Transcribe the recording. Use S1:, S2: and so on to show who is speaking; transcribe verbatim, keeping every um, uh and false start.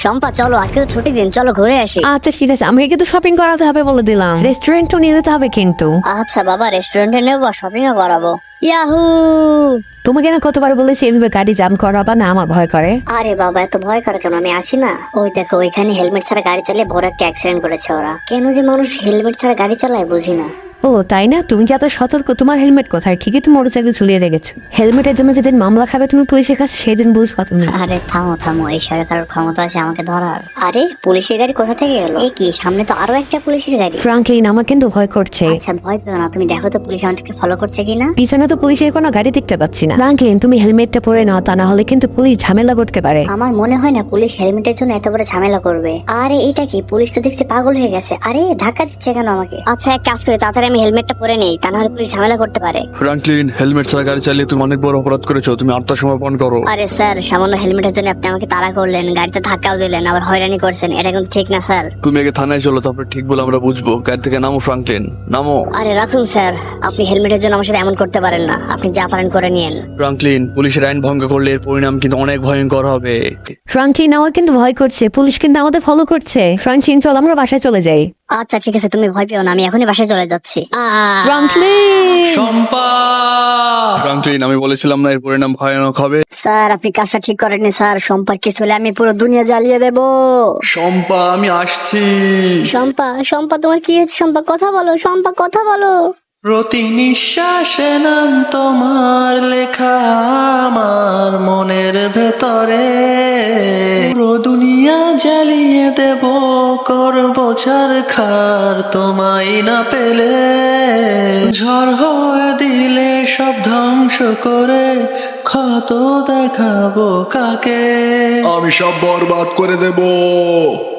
S1: শম্পা চলো, আজকে তো ছুটির দিন, চলো ঘুরে আসি।
S2: আচ্ছা ঠিক আছে, আমাকে কিন্তু শপিং করাতে হবে বলে দিলাম, রেস্টুরেন্টও নিয়ে যেতে হবে কিন্তু।
S1: আচ্ছা বাবা, রেস্টুরেন্টে নেবো, শপিং ও করাবো। ইয়াহু!
S2: তোমাকে না কতবার বলেছি এভাবে গাড়ি জাম করাবা না, আমার ভয় করে।
S1: আরে বাবা, এত ভয় করে কেন? আমি আসি না। ওই দেখো, ওইখানে হেলমেট ছাড়া গাড়ি চালিয়ে বড় একটা অ্যাক্সিডেন্ট করেছে ওরা। কেন যে মানুষ হেলমেট ছাড়া গাড়ি চালায় বুঝি না।
S2: ও তাই না? তুমি কি এত সতর্ক? তোমার হেলমেট কোথায়? ঠিকই তো মোটরসাইকেল ঝুলিয়ে রেখেছো। হেলমেটের জন্য যেদিন মামলা খাবে তুমি পুলিশের কাছে, সেই দিন বুঝবা তুমি।
S1: আরে থামো থামো, এই সরকারের ক্ষমতা আছে আমাকে ধরার? আরে পুলিশের গাড়ি কোথা থেকে এলো? এই কি, সামনে তো আরো একটা পুলিশের গাড়ি।
S2: ফ্রাঙ্কলিন, আমার কিন্তু ভয় করছে।
S1: আচ্ছা ভয় পেও না, তুমি দেখো তো পুলিশ আমাদেরকে ফলো করছে কিনা।
S2: পিছনে তো পুলিশের কোনো গাড়ি দেখতে পাচ্ছি না। ফ্রাঙ্কলিন, তুমি হেলমেটটা পরে নাও, তা না হলে কিন্তু পুলিশ ঝামেলা করতে পারে।
S1: আমার মনে হয় না পুলিশ হেলমেটের জন্য এত বড় ঝামেলা করবে। আরে এটা কি, পুলিশ তো দেখছি পাগল হয়ে গেছে। আরে ধাক্কা দিচ্ছে কেন আমাকে? আচ্ছা এক কাজ করি, তাড়াতাড়ি আমি হেলমেটটা পরে নেই, তা না হলে পুলিশ ঝামেলা করতে পারে।
S3: ফ্রাঙ্কলিন, হেলমেট ছাড়া গাড়ি চালিয়ে তুমি অনেক বড় অপরাধ করেছো, তুমি আত্মসমর্পণ করো।
S1: আরে স্যার, সামান্য হেলমেটের জন্য আপনি আমাকে তাড়া করলেন, গাড়িতে ধাক্কাও দিলেন, আবার হয়রানি করছেন, এটা কিন্তু ঠিক না স্যার।
S3: তুমি আগে থানায় চলো, তারপরে ঠিক বলে আমরা বুঝবো। গাড়ি থেকে নামো ফ্রাঙ্কলিন, নামো।
S1: আরে রাখুন স্যার, আপনি হেলমেটের জন্য আমার সাথে এমন করতে পারেন না, আপনি যা পারেন করে নিয়েন।
S3: ফ্রাঙ্কলিন, পুলিশের আইন ভঙ্গ করলে এর পরিণাম কিন্তু অনেক ভয়ঙ্কর হবে।
S2: ফ্রাঙ্কলিন, আমার কিন্তু ভয় করছে, পুলিশ কিন্তু আমাদের ফলো করছে। ফ্রাঙ্কলিন চল, আমরা বাসায় চলে যাই।
S1: আচ্ছা ঠিক আছে, তুমি ভয় পেও না, আমি এখনই বাসায় চলে যাচ্ছি। আহ!
S2: ফ্রাঙ্কলিন,
S3: শম্পা! ফ্রাঙ্কলিন, আমি বলেছিলাম না এর পরিণাম ভয়ানক হবে।
S1: স্যার আপনি কাজটা ঠিক করেননি স্যার, সম্পর্কে চলে আমি পুরো দুনিয়া জ্বালিয়ে দেব।
S3: শম্পা, আমি আসছি।
S1: শম্পা, শম্পা তোমার কি হয়েছে? শম্পা কথা বলো, শম্পা কথা বলো।
S4: প্রতি নিঃশ্বাসে নাম তোমার লেখা আমার মনের ভেতরে, পুরো দুনিয়া জ্বালিয়ে দেব, করব ছারখার তোমায় না পেলে, ঝড় হয়ে দিলে সব ধ্বংস করে, ক্ষত দেখাবো কাকে?
S3: আমি সব বরবাদ করে দেব।